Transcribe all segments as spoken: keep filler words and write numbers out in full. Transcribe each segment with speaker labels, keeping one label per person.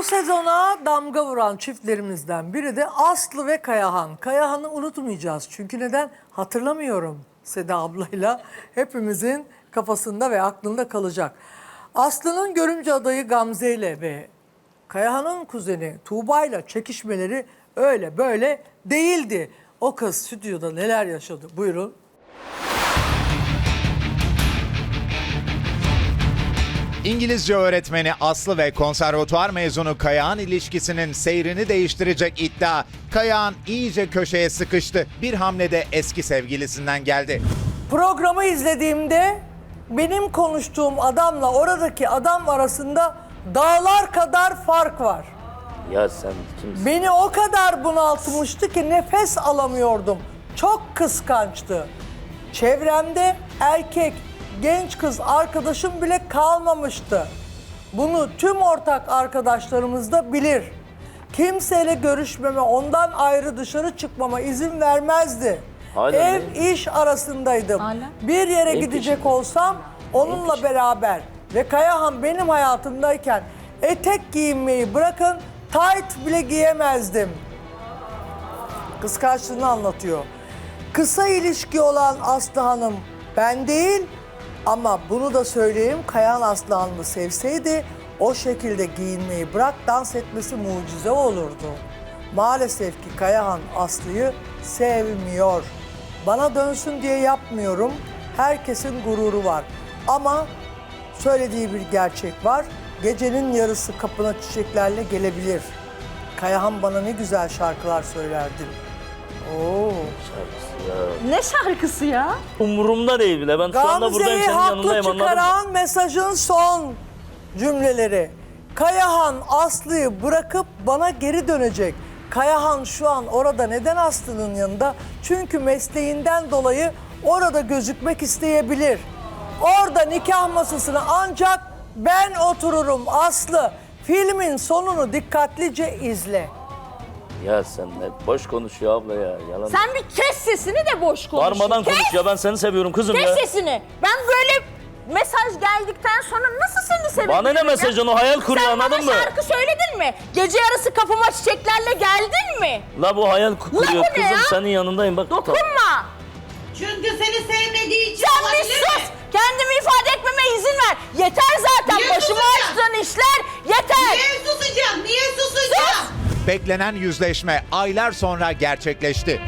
Speaker 1: Bu sezona damga vuran çiftlerimizden biri de Aslı ve Kayahan. Kayahan'ı unutmayacağız. Çünkü neden? Hatırlamıyorum Seda ablayla. Hepimizin kafasında ve aklında kalacak. Aslı'nın görümce adayı Gamze ile ve Kayahan'ın kuzeni Tuğba ile çekişmeleri öyle böyle değildi. O kız stüdyoda neler yaşadı? Buyurun.
Speaker 2: İngilizce öğretmeni Aslı ve konservatuvar mezunu Kayahan ilişkisinin seyrini değiştirecek iddia. Kayahan iyice köşeye sıkıştı. Bir hamlede eski sevgilisinden geldi.
Speaker 1: Programı izlediğimde benim konuştuğum adamla oradaki adam arasında dağlar kadar fark var.
Speaker 3: Ya sen kimsin?
Speaker 1: Beni o kadar bunaltmıştı ki nefes alamıyordum. Çok kıskançtı. Çevremde erkek, genç kız arkadaşım bile kalmamıştı. Bunu tüm ortak arkadaşlarımız da bilir. Kimseyle görüşmeme, ondan ayrı dışarı çıkmama izin vermezdi.
Speaker 3: Hala
Speaker 1: Ev,
Speaker 3: mi?
Speaker 1: iş arasındaydım.
Speaker 4: Hala?
Speaker 1: Bir yere
Speaker 3: Neyin
Speaker 1: gidecek
Speaker 3: peşinde?
Speaker 1: olsam onunla
Speaker 3: peşinde?
Speaker 1: beraber ve Kayahan benim hayatımdayken etek giyinmeyi bırakın, tayt bile giyemezdim. Kıskançlığını anlatıyor. Kısa ilişki olan Aslı Hanım ben değil ama bunu da söyleyeyim, Kayahan Aslı Hanım'ı sevseydi o şekilde giyinmeyi bırak, dans etmesi mucize olurdu. Maalesef ki Kayahan Aslı'yı sevmiyor. Bana dönsün diye yapmıyorum. Herkesin gururu var. Ama söylediği bir gerçek var. Gecenin yarısı kapına çiçeklerle gelebilir. Kayahan bana ne güzel şarkılar söylerdi. Oo.
Speaker 4: Ne şarkısı ya?
Speaker 3: Umurumda değil bile. Ben şu anda buradayım,
Speaker 1: Gamze'yi
Speaker 3: senin
Speaker 1: haklı
Speaker 3: yanındayım, anladın mı?
Speaker 1: çıkaran mesajın son cümleleri. Kayahan Aslı'yı bırakıp bana geri dönecek. Kayahan şu an orada neden Aslı'nın yanında? Çünkü mesleğinden dolayı orada gözükmek isteyebilir. Orada nikah masasına ancak ben otururum Aslı. Filmin sonunu dikkatlice izle.
Speaker 3: Ya sen ne boş konuşuyor abla ya. Yalan.
Speaker 4: Sen bir kes sesini de boş konuş.
Speaker 3: Bağırmadan
Speaker 4: kes,
Speaker 3: konuş ya, ben seni seviyorum kızım
Speaker 4: Kes
Speaker 3: ya.
Speaker 4: sesini. Ben böyle mesaj geldikten sonra nasıl seni sevebilirim?
Speaker 3: Bana ne mesajın, o hayal kuruyor,
Speaker 4: Sen
Speaker 3: anladın
Speaker 4: bana
Speaker 3: mı?
Speaker 4: şarkı söyledin mi? Gece yarısı kapıma çiçeklerle geldin mi?
Speaker 3: La bu hayal kuruyor
Speaker 4: bu ne
Speaker 3: kızım,
Speaker 4: ya?
Speaker 3: senin yanındayım bak.
Speaker 4: Dokunma.
Speaker 5: Çünkü seni sevmediği için
Speaker 4: Sen bir
Speaker 5: olabilir
Speaker 4: sus.
Speaker 5: mi?
Speaker 4: Kendimi ifade etmeme izin ver. Yeter zaten.
Speaker 5: Niye
Speaker 4: Başıma
Speaker 5: susacağım?
Speaker 4: açtığın işler yeter.
Speaker 5: Niye susacağım? Niye susacağım?
Speaker 2: Beklenen yüzleşme aylar sonra gerçekleşti.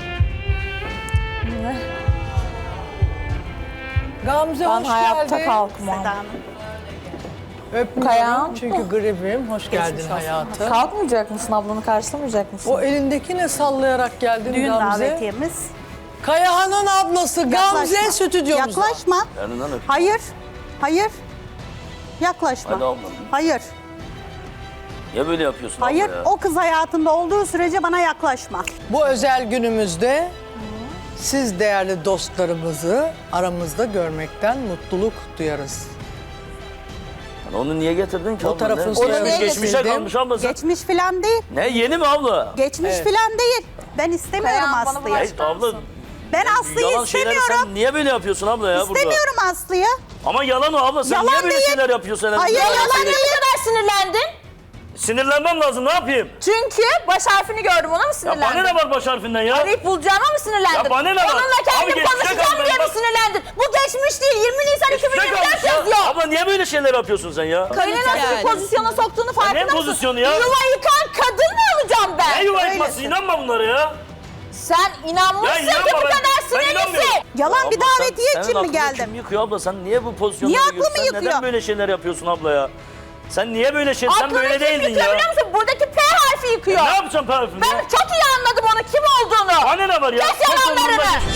Speaker 1: Gamze
Speaker 4: Ben
Speaker 1: hoş
Speaker 4: hayatta
Speaker 1: geldin.
Speaker 4: kalkmam.
Speaker 1: Öpmüyorum
Speaker 4: Kayahan.
Speaker 1: çünkü gribim. Hoş geldin hayatım.
Speaker 4: Kalkmayacak mısın? Ablanı karşılamayacak mısın?
Speaker 1: O elindeki ne sallayarak geldin
Speaker 6: Düğün
Speaker 1: Gamze?
Speaker 6: davetiyemiz.
Speaker 1: Kayahan'ın ablası Gamze
Speaker 6: Yaklaşma.
Speaker 1: stüdyomuzda.
Speaker 6: Yaklaşma.
Speaker 3: Yanından öp.
Speaker 6: Hayır. Hayır. Yaklaşma.
Speaker 3: Hadi abla.
Speaker 6: Hayır.
Speaker 3: Niye böyle yapıyorsun
Speaker 6: Hayır.
Speaker 3: abla ya?
Speaker 6: O kız hayatında olduğu sürece bana yaklaşma.
Speaker 1: Bu özel günümüzde siz değerli dostlarımızı aramızda görmekten mutluluk duyarız.
Speaker 3: Yani onu niye getirdin ki
Speaker 1: O
Speaker 3: abla?
Speaker 1: tarafın
Speaker 3: Ne?
Speaker 1: soyadını
Speaker 3: Geçmiş- Geçmişe
Speaker 1: getirdim.
Speaker 3: kalmış abla sen.
Speaker 6: Geçmiş filan değil.
Speaker 3: Ne yeni mi abla?
Speaker 6: Geçmiş
Speaker 1: Evet.
Speaker 6: filan değil. Ben istemiyorum
Speaker 4: Kayahan, bana
Speaker 6: Aslı'yı.
Speaker 3: Hey abla.
Speaker 6: Ben Aslı'yı
Speaker 3: Yalan şeyleri
Speaker 6: istemiyorum.
Speaker 3: sen niye böyle yapıyorsun abla ya burada?
Speaker 6: İstemiyorum Aslı'yı.
Speaker 3: Ama yalan o abla, sen
Speaker 6: Yalan
Speaker 3: niye böyle
Speaker 6: değil.
Speaker 3: şeyler yapıyorsun? sen?
Speaker 6: Hayır,
Speaker 3: Niye böyle
Speaker 6: yalan
Speaker 3: şeyler-
Speaker 4: Niye bu kadar sinirlendin?
Speaker 3: Sinirlenmem lazım, ne yapayım?
Speaker 4: Çünkü baş harfini gördüm, ona mı
Speaker 3: Ya
Speaker 4: sinirlendin?
Speaker 3: bana ne var baş harfinden ya?
Speaker 4: Arayıp bulacağıma mı sinirlendin?
Speaker 3: Ya bana ne var?
Speaker 4: Onunla
Speaker 3: Abi
Speaker 4: kendim
Speaker 3: geçecek
Speaker 4: konuşacağım
Speaker 3: abi,
Speaker 4: diye mi
Speaker 3: bak-
Speaker 4: sinirlendin? Bu geçmiş değil, yirmi Nisan iki bin
Speaker 3: Ne
Speaker 4: yirmi
Speaker 3: kalmış
Speaker 4: dört
Speaker 3: ya?
Speaker 4: yazıyor.
Speaker 3: Abla niye böyle şeyler yapıyorsun sen ya?
Speaker 4: Kaynanası bir pozisyona soktuğunu farkında
Speaker 3: ne
Speaker 4: mısın?
Speaker 3: pozisyonu ya?
Speaker 4: Yuva yıkan kadın mı olacağım ben?
Speaker 3: Ne yuva
Speaker 4: Öylesin.
Speaker 3: yıkması, inanma bunlara ya.
Speaker 4: Sen inanmışsın
Speaker 3: Ya inanma
Speaker 4: ki bu
Speaker 3: ben-
Speaker 4: kadar
Speaker 3: ben
Speaker 4: sinirlisin.
Speaker 3: inanmıyorum.
Speaker 6: Yalan bir
Speaker 3: Abla sen-
Speaker 6: davetiye
Speaker 3: senin
Speaker 6: için mi
Speaker 3: aklını
Speaker 6: geldim?
Speaker 3: Kim yıkıyor abla, sen niye bu pozisyonlara
Speaker 6: Niye aklımı
Speaker 3: giriyorsun? Sen
Speaker 6: yıkıyor?
Speaker 3: neden böyle şeyler yapıyorsun abla ya? Sen niye böyle şey, sen
Speaker 4: Aklını
Speaker 3: böyle
Speaker 4: kim
Speaker 3: değildin
Speaker 4: yıkıyor
Speaker 3: ya.
Speaker 4: biliyor musun? Buradaki P harfi yıkıyor.
Speaker 3: Ne yapacağım parfüm
Speaker 4: Ben
Speaker 3: ya?
Speaker 4: çok iyi anladım onu, kim olduğunu.
Speaker 3: Bana ne var ya?
Speaker 4: Kes
Speaker 3: Çok
Speaker 4: yalanlarını.
Speaker 3: umurumda değil.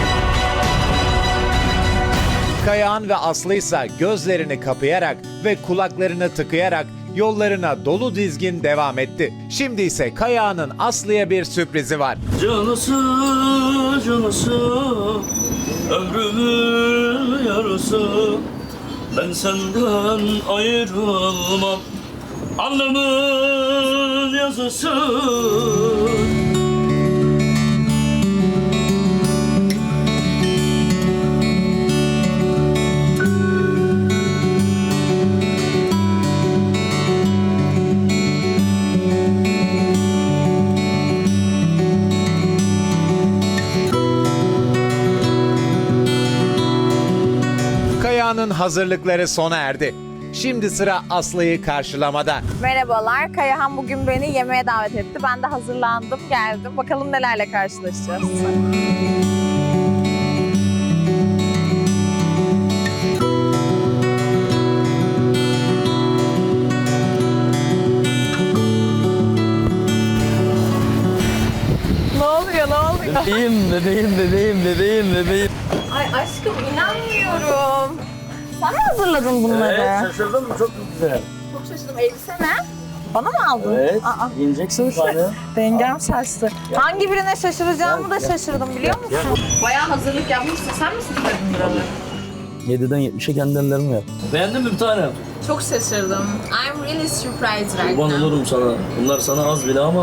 Speaker 2: Kayahan ve Aslı ise gözlerini kapayarak ve kulaklarını tıkayarak yollarına dolu dizgin devam etti. Şimdi ise Kayahan'ın Aslı'ya bir sürprizi var.
Speaker 3: Canısı canısı ömrümün yarısı, ben senden ayrılmam, alnımın yazısı.
Speaker 2: Kaya'nın hazırlıkları sona erdi. Şimdi sıra Aslı'yı karşılamada.
Speaker 4: Merhabalar. Kayahan bugün beni yemeğe davet etti. Ben de hazırlandım, geldim. Bakalım nelerle karşılaşacağız. Ne oluyor, ne oluyor?
Speaker 3: Bebeğim, bebeğim, bebeğim, bebeğim, bebeğim.
Speaker 4: Ay aşkım inanmıyorum. Sen mi hazırladın bunları?
Speaker 3: şaşırdın mı? Çok güzel.
Speaker 4: Çok şaşırdım. Elbise ne? Bana mı aldın?
Speaker 3: Evet,
Speaker 4: Aa,
Speaker 3: yiyeceksin tane.
Speaker 4: dengem şaştı. Hangi birine şaşıracağımı da şaşırdım biliyor musun? Bayağı hazırlık yapmışsın. Sen mi süsledin buraları?
Speaker 3: yediden yetmişe kendi ellerimle yaptım. Beğendin mi bir tanem?
Speaker 4: Çok şaşırdım. I'm really surprised right
Speaker 3: Kurban
Speaker 4: now.
Speaker 3: olurum sana. Bunlar sana az bile ama.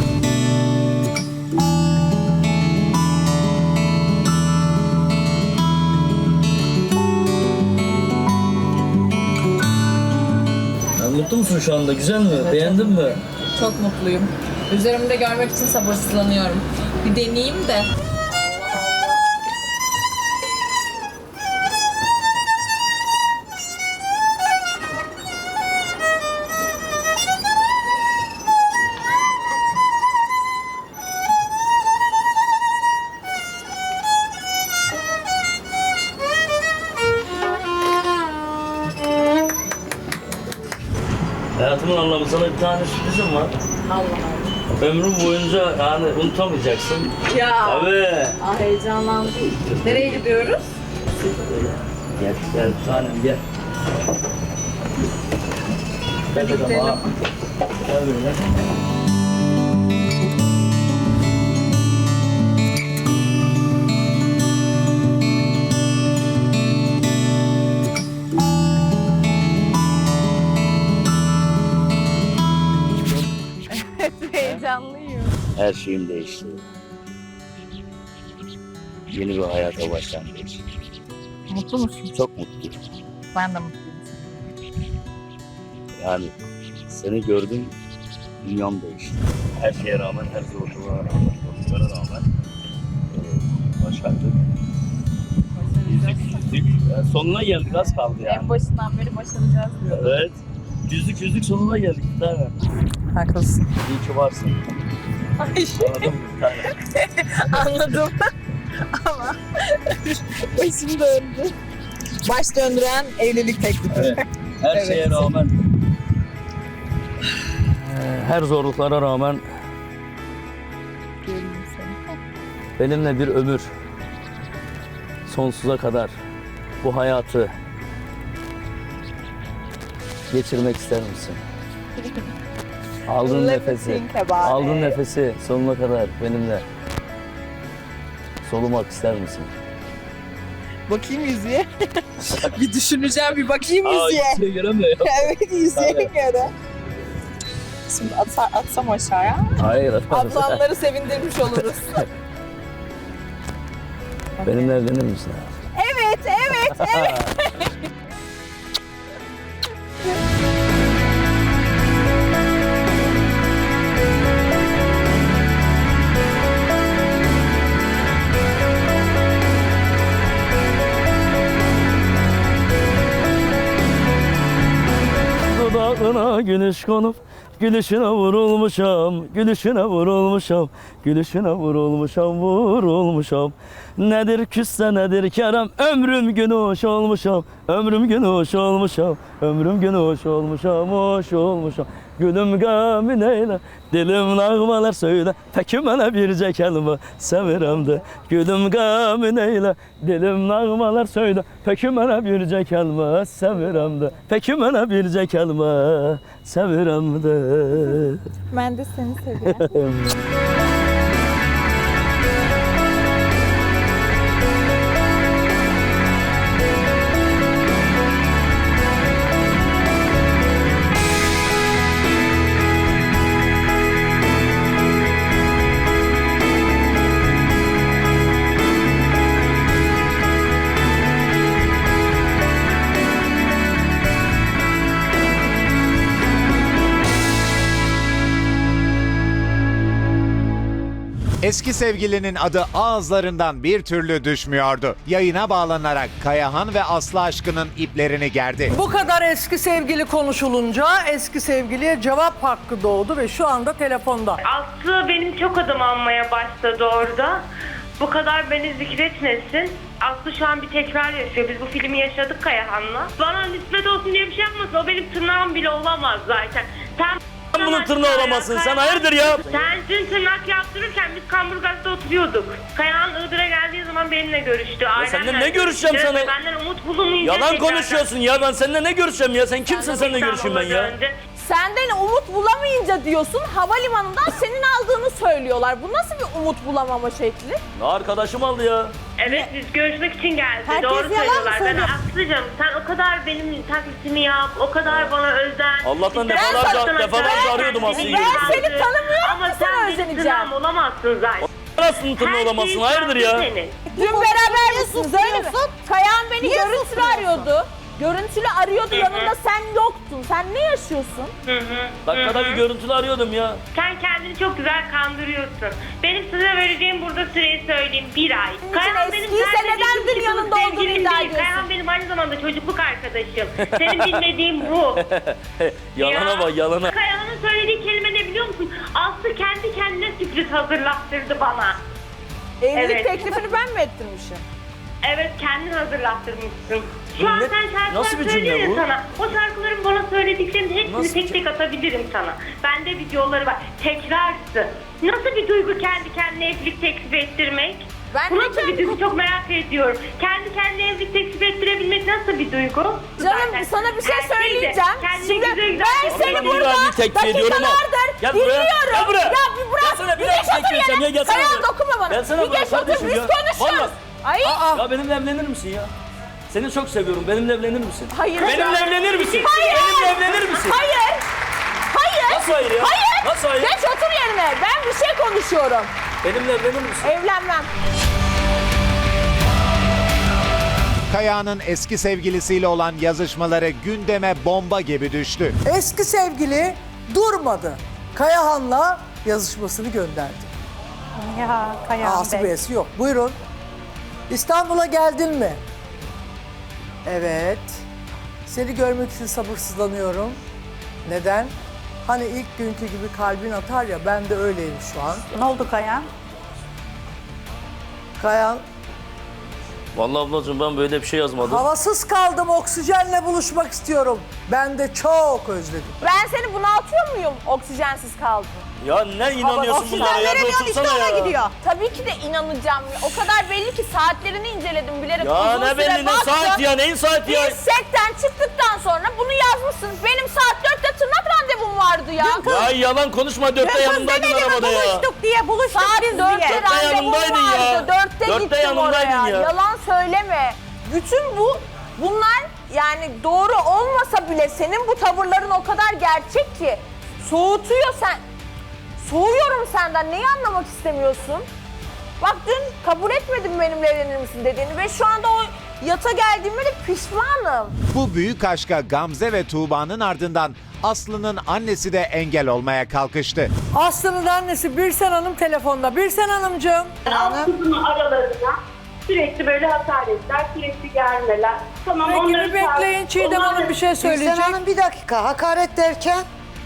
Speaker 3: Ya, mutlu musun şu anda? Güzel mi? Beğendin mi?
Speaker 4: Çok mutluyum. Üzerimde görmek için sabırsızlanıyorum. Bir deneyeyim de.
Speaker 3: Hayatımın anlamı sana bir tane sürprizim var.
Speaker 4: Allah Allah.
Speaker 3: Ömrüm boyunca yani unutamayacaksın.
Speaker 4: Ya.
Speaker 3: Tabii.
Speaker 4: Ah heyecanlandım. Nereye gidiyoruz?
Speaker 3: Gel, gel bir tanem gel. Gel bakalım.
Speaker 4: gidelim.
Speaker 3: ha. Gel böyle.
Speaker 4: Heyecanlıyım.
Speaker 3: Her şeyim değişti. Yeni bir hayata başlangıç.
Speaker 4: Mutlu musun?
Speaker 3: Çok mutluyum.
Speaker 4: Ben de mutluyum.
Speaker 3: Yani seni gördüm, dünyam değişti. Her şeye rağmen, her zorluğa rağmen, zorluklara rağmen e, başardık. Yüzük yüzük. Yani sonuna geldik, az kaldı yani.
Speaker 4: En başından beri başaracağız diyor.
Speaker 3: Evet. Yüzük yüzük sonuna geldik bir tane.
Speaker 4: Haklısın.
Speaker 3: İyi ki varsın. Anladın mı bir tane?
Speaker 4: Anladım. Ama başım döndü. Baş döndüren evlilik teklifi.
Speaker 3: Evet. Her
Speaker 4: Evet.
Speaker 3: şeye rağmen, her zorluklara rağmen benimle bir ömür, sonsuza kadar bu hayatı geçirmek ister misin? Aldığın
Speaker 4: Let me
Speaker 3: nefesi,
Speaker 4: think about
Speaker 3: aldığın
Speaker 4: it.
Speaker 3: nefesi sonuna kadar benimle solumak ister misin?
Speaker 4: Bakayım yüzüğe. Bir düşüneceğim, bir bakayım yüzüğe.
Speaker 3: şey göremiyorum.
Speaker 4: Evet, yüzüğe
Speaker 3: Evet.
Speaker 4: göre. Şimdi atsa, atsam aşağıya.
Speaker 3: Hayır.
Speaker 4: Ablamları sevindirmiş oluruz.
Speaker 3: Benimle evlenir misin?
Speaker 4: Evet, evet, evet.
Speaker 3: Dudağına güneş konup gülüşüne vurulmuşam, gülüşüne vurulmuşam, gülüşüne vurulmuşam, vurulmuşam. Nedir küsse nedir kerem, ömrüm gün hoş olmuşam, ömrüm gün hoş olmuşam, ömrüm gün hoş olmuşam, hoş olmuşam. Gülüm gamin eyle, dilim nağmalar söyle, peki mənə bircə kəlmə sevirəm də. Gülüm gamin eyle, dilim nağmalar söyle, peki mənə bircə kəlmə sevirəm də. Peki mənə bircə kəlmə sevirəm də.
Speaker 4: Ben de seni seviyorum.
Speaker 2: Eski sevgilinin adı ağızlarından bir türlü düşmüyordu. Yayına bağlanarak Kayahan ve Aslı aşkının iplerini gerdi.
Speaker 1: Bu kadar eski sevgili konuşulunca eski sevgiliye cevap hakkı doğdu ve şu anda telefonda.
Speaker 7: Aslı benim çok adım almaya başladı orada. Bu kadar beni zikretmesin. Aslı şu an bir tekrar yaşıyor. Biz bu filmi yaşadık Kayahan'la. Bana nispet olsun diye bir şey yapmasın. O benim tırnağım bile olamaz zaten. Sen
Speaker 3: Sen bunun tırnağı olamazsın. Sen hayırdır ya?
Speaker 7: Sen dün tırnak yaptırırken biz Kamburgaz'da oturuyorduk. Kayahan Iğdır'a geldiği zaman benimle görüştü.
Speaker 3: seninle ne görüşeceğim
Speaker 7: görüştü.
Speaker 3: sana?
Speaker 7: Benden umut bulamayınca
Speaker 3: Yalan
Speaker 7: tekrardan-
Speaker 3: konuşuyorsun ya. Ben seninle ne görüşeceğim ya? Sen kimsin, seninle görüşeyim ben ya?
Speaker 7: Döndü.
Speaker 4: Senden umut bulamayınca diyorsun, havalimanından senin aldığını söylüyorlar. Bu nasıl bir umut bulamama şekli?
Speaker 3: Ne arkadaşım aldı ya?
Speaker 7: Evet, biz görüşmek için geldi.
Speaker 6: Herkes
Speaker 7: Doğru
Speaker 6: yalan mı
Speaker 7: söylüyorlar. Ben
Speaker 6: söylüyor?
Speaker 7: Aslı'cığım sen o kadar benim taklitimi yap, o kadar bana özen.
Speaker 3: Allah'tan
Speaker 7: Ben
Speaker 3: defalarca-
Speaker 7: sana
Speaker 3: defalarca
Speaker 7: zaten
Speaker 3: arıyordum
Speaker 7: beni
Speaker 3: Aslı'yı.
Speaker 4: Ben seni
Speaker 7: tanıdım.
Speaker 4: tanımıyorum
Speaker 7: Ama
Speaker 4: ki
Speaker 7: sen
Speaker 4: sana
Speaker 7: benim
Speaker 4: özeneceğim.
Speaker 7: tırnağım olamazsın zaten.
Speaker 3: Nasıl tırnağı
Speaker 7: Her
Speaker 3: olamazsın?
Speaker 7: şeyin
Speaker 3: Hayırdır ya?
Speaker 7: şansı senin.
Speaker 4: Dün beraber misiniz öyle mi?
Speaker 6: susturuyorsun?
Speaker 4: Kayahan beni
Speaker 6: Niye
Speaker 4: görüntülü
Speaker 6: susturuyorsun?
Speaker 4: arıyordu. Görüntülü arıyordu, yanında sen yoktun. Sen ne yaşıyorsun?
Speaker 7: Hı hı.
Speaker 3: Dakikada bir görüntülü arıyordum ya.
Speaker 7: Sen kendini çok güzel kandırıyorsun. Benim size vereceğim burada süreyi söyleyeyim. Bir ay.
Speaker 4: için eskiyse
Speaker 7: sadece
Speaker 4: neden
Speaker 7: iki
Speaker 4: dün
Speaker 7: kişilik
Speaker 4: yanında olduğunu
Speaker 7: sevgilim
Speaker 4: iddia
Speaker 7: değil.
Speaker 4: ediyorsun?
Speaker 7: Kayahan benim aynı zamanda çocukluk arkadaşım. Senin bilmediğin bu.
Speaker 3: Yalana
Speaker 7: Ya.
Speaker 3: bak, yalana.
Speaker 7: Kayahan'ın söylediği kelime ne biliyor musun? Aslı kendi kendine sürpriz hazırlattırdı bana.
Speaker 4: Evlilik
Speaker 7: Evet.
Speaker 4: teklifini ben mi ettirmişim?
Speaker 7: Evet, kendin hazırlattırmışsın.
Speaker 3: Bu
Speaker 7: Şu an
Speaker 3: ne-
Speaker 7: sen şarkılar
Speaker 3: nasıl bir cümle
Speaker 7: söylüyor
Speaker 3: bu?
Speaker 7: sana. O şarkıların bana söylediklerinin hepsini
Speaker 3: Nasıl
Speaker 7: tek tek atabilirim sana. Bende videoları var. Tekrarsı. Nasıl bir duygu kendi kendine evlilik teklif ettirmek?
Speaker 4: Ben
Speaker 7: Bu
Speaker 4: de
Speaker 7: nasıl bir
Speaker 4: kendi-
Speaker 7: duygu, çok merak ediyorum. Kendi kendine evlilik teklif ettirebilmek nasıl bir duygu?
Speaker 4: Canım
Speaker 7: Zaten
Speaker 4: sana bir şey
Speaker 7: erkeği de
Speaker 4: söyleyeceğim.
Speaker 7: kendine
Speaker 4: Şimdi
Speaker 7: güzel güzel
Speaker 4: ben
Speaker 7: teklif
Speaker 4: seni
Speaker 3: Abi,
Speaker 4: burada
Speaker 3: ben bir tekbir ediyorum ama.
Speaker 4: dakikalardır
Speaker 3: Gel buraya,
Speaker 4: dinliyorum.
Speaker 3: gel buraya.
Speaker 4: Ya bir bırak.
Speaker 3: Gel sana bir
Speaker 4: bir
Speaker 3: daha
Speaker 4: geç otur
Speaker 3: tekbir edeceğim
Speaker 4: yere.
Speaker 3: ya, gelsene
Speaker 4: Kayahan
Speaker 3: buraya.
Speaker 4: dokunma bana.
Speaker 3: Gelsene
Speaker 4: bir
Speaker 3: buraya
Speaker 4: geç otur,
Speaker 3: kardeşim
Speaker 4: biz
Speaker 3: ya.
Speaker 4: konuşuyoruz.
Speaker 3: Vallahi.
Speaker 4: Ay.
Speaker 3: Ya benimle evlenir misin ya? Seni çok seviyorum. Benimle evlenir misin?
Speaker 4: Hayır.
Speaker 3: Benimle evlenir misin?
Speaker 4: Hayır.
Speaker 3: Benimle evlenir misin?
Speaker 4: Hayır. Hayır.
Speaker 3: Nasıl hayır ya?
Speaker 4: Hayır.
Speaker 3: Nasıl hayır?
Speaker 4: Geç otur yerine. Ben bir şey konuşuyorum.
Speaker 3: Benimle evlenir misin?
Speaker 4: Evlenmem.
Speaker 2: Kayahan'ın eski sevgilisiyle olan yazışmaları gündeme bomba gibi düştü.
Speaker 1: Eski sevgili durmadı. Kayahan'la yazışmasını gönderdi.
Speaker 6: Ya Kayahan
Speaker 1: Ağası
Speaker 6: Bey.
Speaker 1: beyesi yok. Buyurun. İstanbul'a geldin mi? Evet. Seni görmek için sabırsızlanıyorum. Neden? Hani ilk günkü gibi kalbin atar ya, ben de öyleyim şu an.
Speaker 6: Ne oldu Kayahan?
Speaker 1: Kayan,
Speaker 3: Vallahi ablacığım ben böyle bir şey yazmadım.
Speaker 1: havasız kaldım, oksijenle buluşmak istiyorum. Ben de çok özledim.
Speaker 4: Ben seni bunaltıyor muyum oksijensiz kaldım?
Speaker 3: Ya ne inanıyorsun
Speaker 6: Oksijen
Speaker 3: bunlara ya? Bir
Speaker 6: veremiyorsun işte
Speaker 3: otursana
Speaker 6: ona
Speaker 3: ya.
Speaker 6: gidiyor.
Speaker 4: Tabii ki de inanacağım. O kadar belli ki saatlerini inceledim bilerek.
Speaker 3: Ya
Speaker 4: uzun
Speaker 3: ne
Speaker 4: süre
Speaker 3: belli ne
Speaker 4: baktım.
Speaker 3: saat ya, neyin saati ya?
Speaker 4: Biz setten çıktıktan sonra bunu yazmışsın. Benim saat dörtte tırnak randevum vardı ya.
Speaker 3: Ya yalan konuşma, dörtte
Speaker 6: Kız
Speaker 3: yanımdaydın
Speaker 6: demedi mi
Speaker 3: arabada ya.
Speaker 6: buluştuk diye buluştuk
Speaker 4: Saat
Speaker 6: biz
Speaker 4: dörtte
Speaker 6: diye.
Speaker 3: Dörtte
Speaker 4: randevum
Speaker 3: yanımdaydın ya.
Speaker 4: vardı. Dörtte,
Speaker 3: Dörtte
Speaker 4: gittim
Speaker 3: yanımdaydın
Speaker 4: oraya.
Speaker 3: ya.
Speaker 4: Yalan söyleme. Bütün bu bunlar yani doğru olmasa bile senin bu tavırların o kadar gerçek ki soğutuyor sen. Soğuyorum senden. Neyi anlamak istemiyorsun? Bak dün kabul etmedim benimle evlenir misin dediğini ve şu anda o yata geldiğimde de pişmanım.
Speaker 2: Bu büyük aşka Gamze ve Tuğba'nın ardından Aslı'nın annesi de engel olmaya kalkıştı.
Speaker 1: Aslı'nın annesi Birsen Hanım telefonda. Birsen Hanımcığım.
Speaker 7: Kızımın aralarına sürekli böyle hakaretler, sürekli gelmeler. Tamam,
Speaker 1: Peki
Speaker 7: onları
Speaker 1: bir bekleyin, Çiğdem
Speaker 7: Onlar-
Speaker 1: Hanım bir şey söyleyecek.
Speaker 8: Birsen Hanım bir dakika, hakaret derken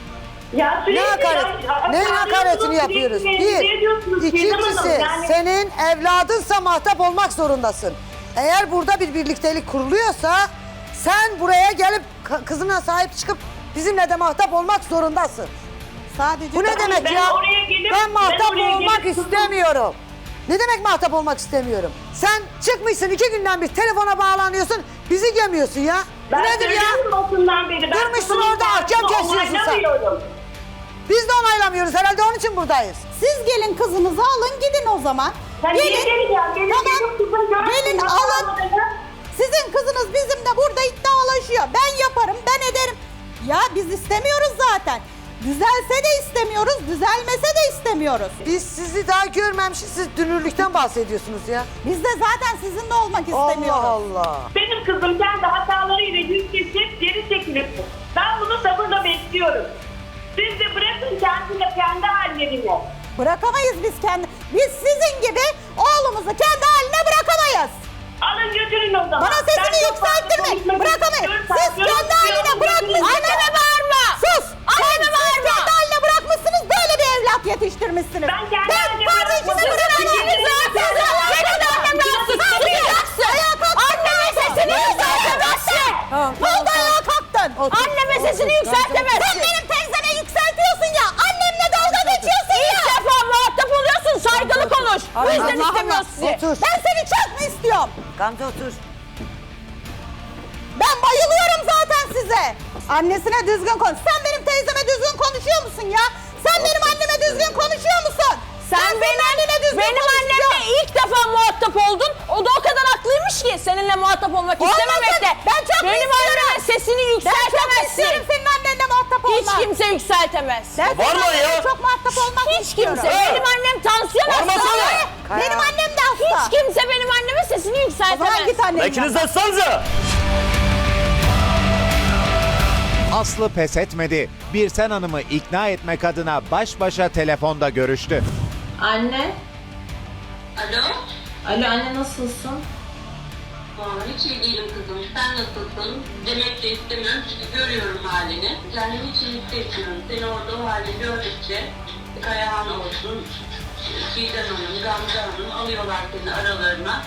Speaker 7: Ya sürekli
Speaker 8: ne hakaret?
Speaker 7: ya-
Speaker 8: Neyin
Speaker 7: ya-
Speaker 8: hakaretini
Speaker 7: sürekli
Speaker 8: yapıyoruz?
Speaker 7: rencide ediyorsunuz
Speaker 8: Bir,
Speaker 7: Çiğdem Hanım.
Speaker 8: ikincisi
Speaker 7: Yani-
Speaker 8: senin evladınsa muhatap olmak zorundasın. Eğer burada bir birliktelik kuruluyorsa sen buraya gelip ka- kızına sahip çıkıp bizimle de muhatap olmak zorundasın.
Speaker 6: Sadece
Speaker 8: Bu ne demek
Speaker 7: ben
Speaker 8: ya?
Speaker 7: oraya gelip-
Speaker 8: Ben muhatap
Speaker 7: ben oraya
Speaker 8: olmak
Speaker 7: gelip-
Speaker 8: istemiyorum. Ne demek muhatap olmak istemiyorum? Sen çıkmışsın iki günden bir telefona bağlanıyorsun, bizi gömüyorsun ya. Bu
Speaker 7: Ben
Speaker 8: nedir ya?
Speaker 7: söylüyorum basından beri. Ben
Speaker 8: Durmuşsun
Speaker 7: kızımın
Speaker 8: orada, hakem
Speaker 7: karşısında
Speaker 8: kesiyorsun sen.
Speaker 7: onaylamıyorum.
Speaker 8: Biz de onaylamıyoruz herhalde, onun için buradayız.
Speaker 6: siz gelin kızınızı alın gidin o zaman.
Speaker 7: Sen niye geleceğim? Benim
Speaker 6: Tamam.
Speaker 7: benim kızım görsün,
Speaker 6: Gelin
Speaker 7: nasıl
Speaker 6: alın.
Speaker 7: anladığını.
Speaker 6: Sizin kızınız bizimle burada iddialaşıyor. Ben yaparım, ben ederim. Ya biz istemiyoruz zaten. Düzelse de istemiyoruz, düzelmese de istemiyoruz.
Speaker 8: Biz sizi daha görmemişiz, siz dünürlükten bahsediyorsunuz ya.
Speaker 6: Biz de zaten sizinle olmak istemiyoruz.
Speaker 8: Allah Allah.
Speaker 7: Benim kızım kendi hatalarıyla yüz kesip geri çekilip ben bunu sabırla bekliyorum. Siz de bırakın kendine kendi hallerine.
Speaker 6: Bırakamayız biz kendi. Biz sizin gibi oğlumuzu kendi haline bırakamayız.
Speaker 7: Alın götürün o zaman.
Speaker 6: Bana sesini
Speaker 7: Ben çok fazla
Speaker 6: yükselttirme.
Speaker 7: konuşmak
Speaker 6: Bırakamayız.
Speaker 7: istiyorum.
Speaker 6: Siz
Speaker 7: Sen
Speaker 6: kendi haline
Speaker 7: görüyorsun,
Speaker 6: bırakmışsınız.
Speaker 4: Anneme bağırma.
Speaker 6: Sus.
Speaker 4: Anneme
Speaker 6: Siz
Speaker 4: bağırma.
Speaker 6: kendi haline bırakmışsınız. Böyle bir evlat yetiştirmişsiniz.
Speaker 7: Ben kendi haline
Speaker 6: kardeşime
Speaker 7: bırakmadım.
Speaker 6: bırakmadım.
Speaker 7: Sizin
Speaker 6: Senin annen rahatsız. Susacaksın. Ayağa kalktın.
Speaker 4: Anneme sesini yükseltemezsin.
Speaker 6: Ne oldu ayağa kalktın?
Speaker 4: Anneme sesini yükseltemezsin.
Speaker 6: Sen benim teyzeme yükseltiyorsun ya. Annemle dalga geçiyorsun ya.
Speaker 4: İlk defa muhatap oluyorsun. Saygılı konuş. Bu yüzden
Speaker 8: Allah
Speaker 4: istemiyoruz
Speaker 8: Allah.
Speaker 4: sizi.
Speaker 8: Otur.
Speaker 6: Ben seni çok mu istiyorum?
Speaker 8: Gamze otur.
Speaker 6: Ben bayılıyorum zaten size. Annesine düzgün konuş. Sen benim teyzeme düzgün konuşuyor musun ya? Sen benim anneme düzgün konuşuyor musun?
Speaker 4: Sen benim,
Speaker 6: annene düzgün
Speaker 4: benim annemle
Speaker 6: konuşuyorsun.
Speaker 4: ilk defa muhatap oldun. O da o kadar haklıymış ki seninle muhatap olmak
Speaker 6: Olmasın.
Speaker 4: istememekte.
Speaker 6: Ben çok
Speaker 4: Benim
Speaker 6: istiyorum.
Speaker 4: anneme sesini
Speaker 6: Ben çok
Speaker 4: yükseltemezsin.
Speaker 6: istiyorum senin annenle muhatap olmak.
Speaker 4: Hiç kimse yükseltemez.
Speaker 6: Ben senin
Speaker 3: Var mı
Speaker 6: annenle
Speaker 3: ya?
Speaker 6: çok muhatap olmak
Speaker 4: Hiç
Speaker 6: istiyorum.
Speaker 4: kimse. Benim annem tansiyon
Speaker 3: Varmasana.
Speaker 4: hastası.
Speaker 6: Benim annem de hasta.
Speaker 4: Hiç kimse benim anneme sesini
Speaker 6: O zaman
Speaker 4: yükseltemez.
Speaker 6: git annenin
Speaker 3: İkiniz
Speaker 6: yanına.
Speaker 3: de sanca.
Speaker 2: Aslı pes etmedi. Birsen Hanım'ı ikna etmek adına baş başa telefonda görüştü.
Speaker 7: Anne.
Speaker 5: Alo?
Speaker 7: Alo anne nasılsın?
Speaker 5: Aa, hiç iyi değilim kızım. Sen nasılsın? Demek de istemiyorum çünkü görüyorum halini. Kendimi hiç iyi hissetmiyorum. Seni orada o halde gördükçe Kayahan olsun, Çiğdem Hanım, Gamze Hanım alıyorlar seni aralarına.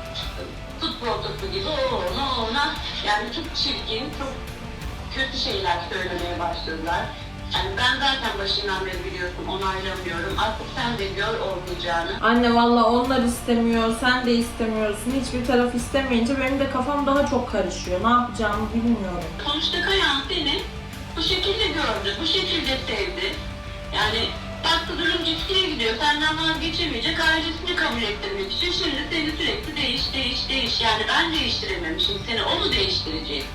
Speaker 5: Futbol topu gibi o ona o ona. Yani çok çirkin, çok kötü şeyler söylemeye başladılar. Yani ben zaten başından beri biliyorsun onaylamıyorum. Artık sen de gör olmayacağını.
Speaker 7: Anne valla onlar istemiyor, sen de istemiyorsun. Hiçbir taraf istemeyince benim de kafam daha çok karışıyor. Ne yapacağımı bilmiyorum.
Speaker 5: Sonuçta Kayahan seni bu şekilde gördü, bu şekilde sevdi. Yani baktı durum gittiğe gidiyor, senden vazgeçemeyecek, ailesini kabul ettirmek için şimdi seni sürekli değiş, değiş, değiş. Yani ben değiştirememişim seni, o mu değiştirecek?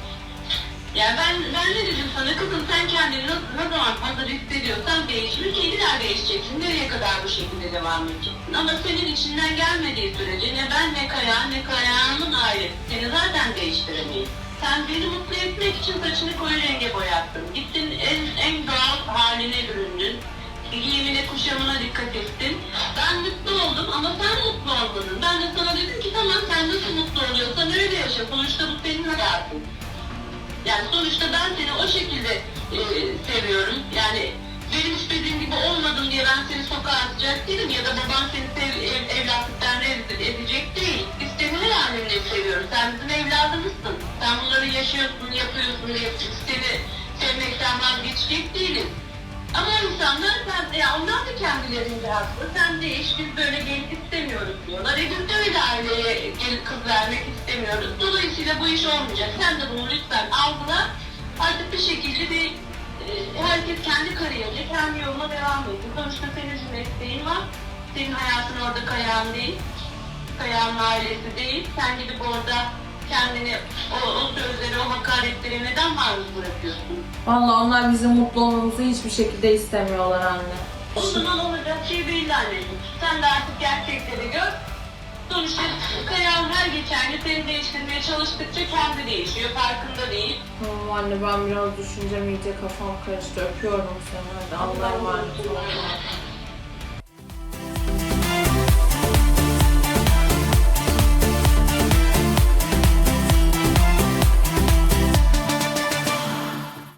Speaker 5: Yani ben, ben ne dedim sana kızım, sen kendini ne, ne zaman hazır hissediyorsan değişme, kendiler değişeceksin. Nereye kadar bu şekilde devam edeceksin? Ama senin içinden gelmediği sürece ne ben ne Kayahan ne Kayahan'ın ailesi seni zaten değiştiremeyiz. Sen beni mutlu etmek için saçını koyu renge boyattın. Gittin en, en doğal haline büründün. Giyimine, kuşamına dikkat ettin. Ben mutlu oldum ama sen mutlu olmadın. Ben de sana dedim ki tamam sen nasıl mutlu oluyorsan öyle yaşa. Sonuçta bu senin hayatın. Yani sonuçta ben seni o şekilde e, seviyorum. Yani benim istediğim gibi olmadın diye ben seni sokağa atacak değilim ya da baban seni sev, ev, evlatlıktan reddedecek edecek değil. Biz seni her halinle seviyoruz. Sen bizim evladımızsın. Sen bunları yaşıyorsun, yapıyorsun diye seni sevmekten vazgeçecek değiliz. Ama insanlar sen, ya onlar da kendilerinde haklı. Sen değiş, biz böyle gelip istemiyoruz diyorlar. E biz de öyle aileye gelip kız vermek istemiyoruz. Dolayısıyla bu iş olmayacak. Sen de bunu lütfen algıla. Artık bir şekilde bir e, herkes kendi kariyerine, kendi yoluna devam ediyor. Sonuçta senin bir mesleğin var. Senin hayatın orada Kayahan değil. Kayahan'ın ailesi değil. Sen gidip orada kendini, o, o sözleri, o hakaretleri neden maruz bırakıyorsun?
Speaker 7: Valla onlar bizim mutlu olmamızı hiçbir şekilde istemiyorlar anne.
Speaker 5: O zaman olacak şey belli anneciğim. Sen de artık gerçekleri gör. Sonuçta Kayahan her geçen gün seni değiştirmeye çalıştıkça kendi değişiyor, farkında değil.
Speaker 7: Tamam anne ben biraz düşüneceğim, iyice kafam karıştı. Öpüyorum seni. Hadi Allah'a emanet ol.